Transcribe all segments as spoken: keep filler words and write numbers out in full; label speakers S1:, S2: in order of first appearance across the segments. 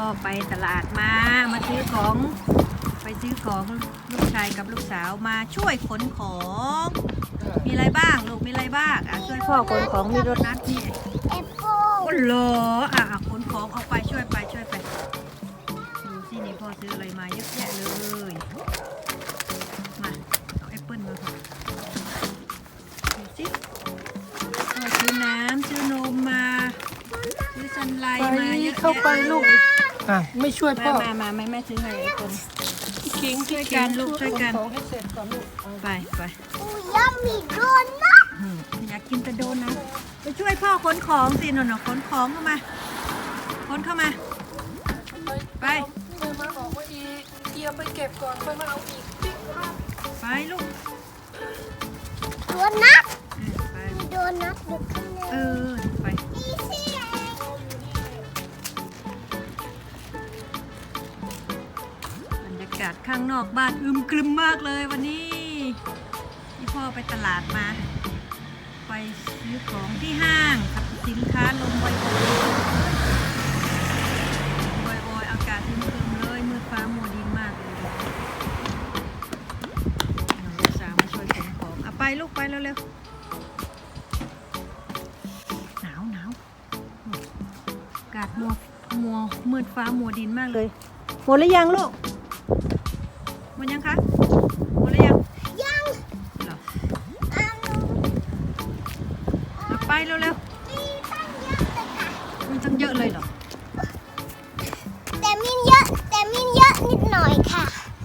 S1: ไปตลาดมามาซื้อของไปซื้อของลูกชายกับลูกสาวมาช่วยขนของมีอะไรบ้างลูกมีอะไรบ้างอ่ะช่วยพ่อขนของมีโดนัทนี่
S2: แอปเปิ้ล
S1: โอ้โหอ่ะขนของเอาไปช่วยไปช่วยไปดูสินี่พ่อซื้ออะไรมาเยอะแยะเลยมาเอาแอปเปิ้ลมาค่ะดูสิพ่อซื้อน้ำซื้อนมมาซื้อซันไลท์มาเยอะแยะ
S3: เข้าไปลูกอ่ะไม่ช่วยพ่อ
S1: มามามาแม่ซื้อให้แอปเปิ้ล
S3: คิง
S1: ช่วยกันลูกช่วยกัน
S3: ของให้เสร็จก่อนลูก
S1: ไปไป
S2: อูยัมมีโดนัท
S1: อืมอยากกินแต่โดนนะไปช่วยพ่อขนของสิหน่อยๆขนของเข้ามาขนเข้ามาไป
S3: เมื่อมาบอกว่าอีเกียร์ไปเก็บก่อนค่อยมาเอาอีกปิ๊ก
S1: ไปลูก
S2: โดนัท
S1: เออไป
S2: มีโดนัทอยู่ข้างใน
S1: เออไป
S2: นี่สิ
S1: บรรยากาศข้างนอกบ้านอึมครึมมากเลยวันนี้ที่พ่อไปตลาดมา ไปซื้อของที่ห้างกับสินค้าลมบอยๆบอยๆอากาศอึมครึมเลยมืดฟ้ามัวดินมากเลยลูกสาวมาช่วยขนของเอาไปลูกไปเร็วๆหนาวหนาวอากาศมัวมัวมืดฟ้ามัวดินมากเลยหมดหรือยังลูกหมดยังคะหมดหรือยัง
S2: ยัง
S1: เหรอ
S2: อัน
S1: เอาไปเร็ว
S2: มีตั้งเยอะเลยค่ะ
S1: ๆมีตั้งเยอะเลยเหรอ
S2: แต่มีเยอะแต่มีเยอะนิดหน่อยค่ะ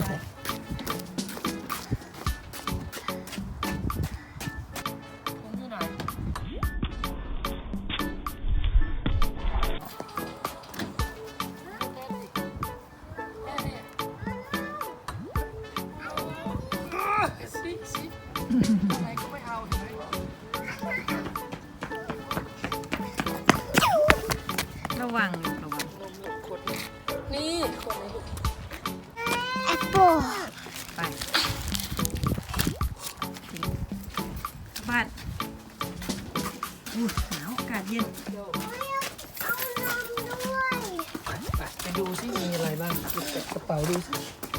S3: คนที่ไหนสิสิอะไรก็ไม่เอาเห็นไหม
S1: ระวังลูกระวัง
S3: นมลูกขวดนี้นี่ขวดนี้ลูก
S2: แอปเปิ้ล
S1: ไปบ้านอู้หนาวอากาศเย็น
S3: เดี๋ยว
S2: เอานมด้วย
S3: ไปไปดูสิมีอะไรบ้างเก็บกระเป๋าดูสิ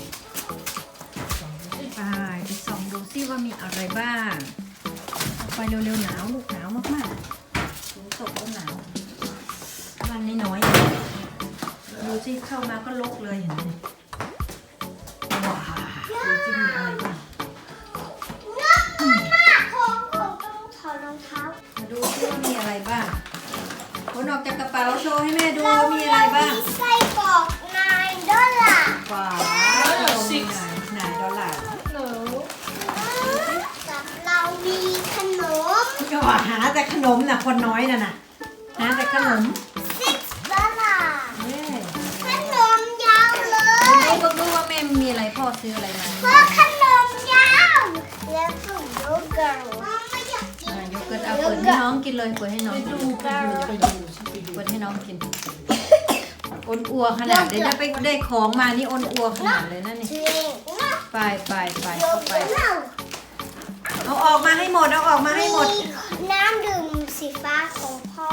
S1: ไปไปส่องดูซิว่ามีอะไรบ้างเอาไปเร็วๆหนาวลูกหนาวมากๆฝนตกก็หนาวบ้านน้อยๆดูซิเข้ามาก็ลกเลยเห็นไหมว้าวดูซิมีอะไรบ้าง
S2: นักมากของของต้องถอดรองเท้า
S1: มาดูซิว่ามีอะไรบ้างขนออกจากกระเป๋าโชว์ให้แม่ดูว่ามีอะไรบ้าง
S2: เมีไส้กรอกนายดอลลาร์
S1: ว้าวสิบไหนดอลลาร์
S3: หนู
S2: กับเรามีขนม
S1: ก็หาแต่ขนมน่ะคนน้อยน่ะน่ะหาแต่ขนม
S2: สิบดอลลาร์
S1: เย้
S2: ขนมยาวเล
S1: ดู
S2: ย
S1: ก็ดูว่าแม่มีอะไรพ่อซื้ออะไรมา
S2: เพราะขนมยาวแล้วก็โยเกิร์ตไม่อยากกิน
S1: อ่ะโยเกิร์ตเอาเปิดให้น้องกินเลยเปิดให้น้อง
S3: ไป
S1: กิน
S3: ดูไปดูไปดูสิไปดู
S1: เปิดให้น้องกินอ้นอัวขนาดเดี๋ยวจะไปได้ของมานี่อ้นอัวขนาดเลยนะนี่
S2: เชงนะ
S1: ไปไปไป
S2: โย
S1: เข้าไป
S2: เกิร์ต
S1: เอาออกมาให้หมดเอาออกมาให้หมด
S2: มีน้ำดื่มสีฟ้าของพ่อ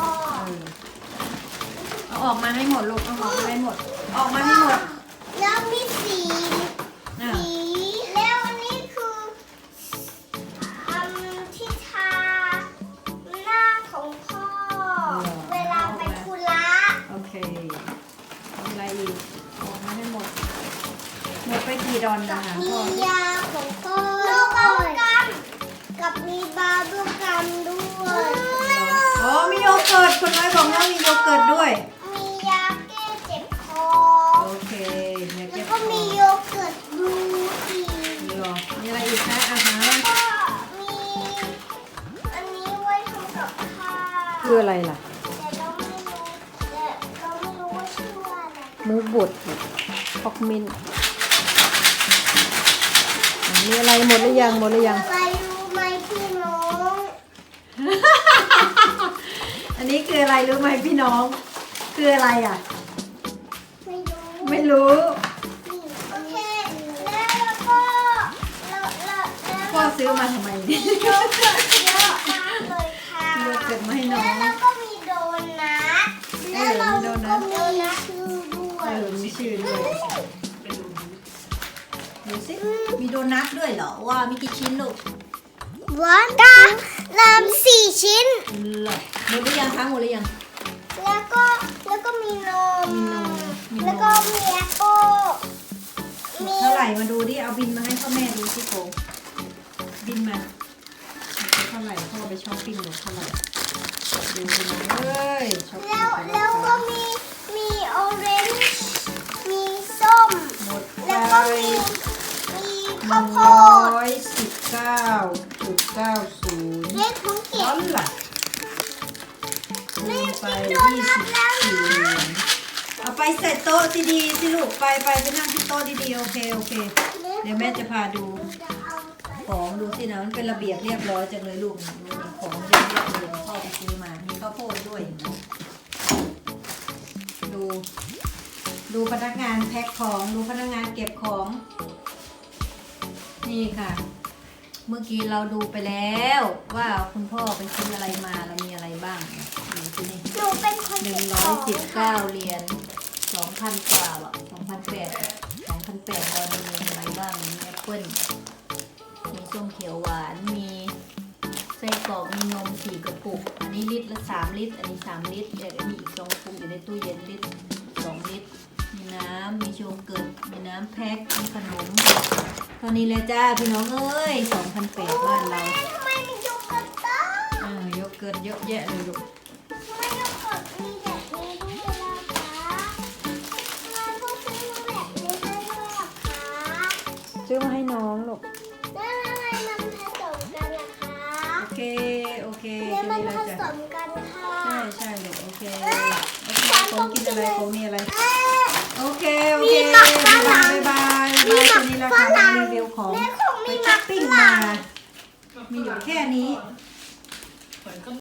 S1: เอาออกมาให้หมดลูกเอาออกมาให้หมด ออกมาให้หมด
S2: แล้วมีสี
S1: อ่ะ
S2: สีแล้วอันนี้คืออันที่ทาหน้าของพ่อ เวลาไปธุระ
S1: โอเคมีอะไรอีกออกมาให้หมดหมดไปกี่ดอนนะคะ
S2: มี
S1: พ่อย
S2: าของพ่อลูกเอากันกับมีบาร์บีกัมด้วย
S1: อ๋อมีโยเกิร์ตคนน้อยบอกว่ามีโยเกิร์ตด้วย
S2: มียาแก้เจ็บคอ
S1: โอเคเนี่ย
S2: แล้
S1: เก็
S2: ว
S1: บ
S2: ก็มีโยเกิร์ตบลูอีก
S1: มีหรอมีอะไรอีกคะอาหาร
S2: ก็มีอันนี้ไว้ทำกับข้าว
S1: คืออะไรล่ะ
S2: แต่เราไม่รู้แต่เราไม่รู้ว่าชื่อว่าอะไร
S1: หมูบดพอกมินอ่ะมีอะไรหมดหรือยังหมดหรือยัง
S2: อะไรรู้ไหมพี่น้อง
S1: อันนี้คืออะไรรู้ไหมพี่น้อง คืออะไรอ่ะ
S2: ไม่รู้
S1: ไม่รู้
S2: นี่โอเคแล้วก็แล้วแล้วแล้ว
S1: พ่อซื้อมาทำไมเนี่ย
S2: มีโยเกิร์ตเยอะมากเลยค่ะ
S1: โยเกิร์ตมาให้น้อง
S2: แล้วเราก็มีโดนัทแล้วเราก็มีชื่อด้ว
S1: เอยมีชื่อด้วย
S3: เป็นดูดู
S1: ดูสิมีโดนัทด้วยเหรอว่ามีกี่ชิ้นลูก
S2: วันก็เริ่มสี่ชิ้น
S1: เหรอหมดหรือยังคะหมดหรือยัง
S2: แล้วก็แล้วก็มีนม
S1: มีนมมีนม
S2: แล้วก็มีแอปเปิ้ลมี
S1: เท่าไหร่มาดูดิเอาบินมาให้พ่อแม่ดูสิโกบินมาเท่าไหร่พ่อไปช้อปปิ้งหนูเท่าไหร่ดูสินะเอ้ยช้อปปิ้
S2: แล้
S1: ง
S2: ว
S1: ไป
S2: แล้วก็
S1: ค่ะ
S2: มีมีออเรนจ์มีส้ม
S1: หมดไป
S2: แล้วก็มีมี
S1: ห
S2: ข้าว
S1: นึ่ง
S2: โพ
S1: ร้
S2: ด
S1: อยสิบเก้าจุดเก้าศูนย์
S2: เล็กของเก็
S1: ร้
S2: บ
S1: อนล่ะคูณไป
S2: โด
S1: ยี่
S2: นั
S1: สิ
S2: ท
S1: บ
S2: แล้ว
S1: สี่เหรียญเอาไปใส่โต๊ะดีๆสิลูกไปไปไปนั่งที่โต๊ะดีๆโอเคโอเค เดี๋ยวแม่จะพาดู
S2: จะเอาไป
S1: ของดูสินะมันเป็นระเบียบเรียบร้อยจังเลยลูกดูดิของเยอะแยะเลยพ่อไปซื้อมา มีข้าวโพดด้วยดู ดูพนักงานแพ็คของดูพนักงานเก็บของ นี่ค่ะ เมื่อกี้เราดูไปแล้วว่าคุณพ่อไปซื้ออะไรมาแล้วมีอะไรบ้างดูสินี่
S2: หนูเป็นคน
S1: หนึ่
S2: เก็
S1: ง
S2: บ
S1: ร้
S2: ข
S1: อย
S2: อง
S1: สิบเก้าเหรียญสองพันกว่าหรอสองพันแปดสองพันแปดตอนนี้มีอะไรบ้างมีแอปเปิ้ลมีส้มเขียวหวานมีไส้กรอกมีนมสี่กระปุก อันนี้ลิตรละสามลิตร อันนี้สามลิตรเดี๋ยวมีอีกสองกระปุกอยู่ในตู้เย็นลิตรสองลิตร มีน้ำมีโยเกิร์ตมีน้ำแพ็คมีขนมตอนนี้เลยจ้าพี่น้องเอ้ยสองพันแปดบ้านเรา
S2: ทำไมมีโยเกิร์ตบ้าง
S1: อ่าโยเกิร์ตเยอะแยะเลยลูก
S2: ทำไมโยเกิร์ตมีแบบนี้ด้วยล่ะคะทำไมพวกซื้อมาแบบนี้ด้วยล่ะคะ
S1: ซื้อมาให้น้องลูก
S2: แล้วทำไมมันผสมกันล่ะคะ
S1: โอเค โอเค
S2: เนี่ยมัน
S1: จะ
S2: ผ
S1: ได้
S2: ส
S1: จ้ะ
S2: มกันค่ะ
S1: ใช่ใช่ลูกโอเคโอเคผมกินอะไรผมมีอะไร
S2: เอ๊ะ
S1: โอเค โอเค
S2: มีหมักฝ
S1: บาย
S2: รั่
S1: บาง ยบาย
S2: มี
S1: บาย
S2: หมั
S1: ตั
S2: ก
S1: วนี้แหละ
S2: ฝ
S1: ค่ะ
S2: รั่ง
S1: รีวิวของ
S2: แม่คง
S1: ไป
S2: มีห
S1: ช้
S2: มั
S1: อป
S2: ก
S1: ปิ้ง
S2: ฝ
S1: มา
S2: รั่ง
S1: มีอยู่แค่นี้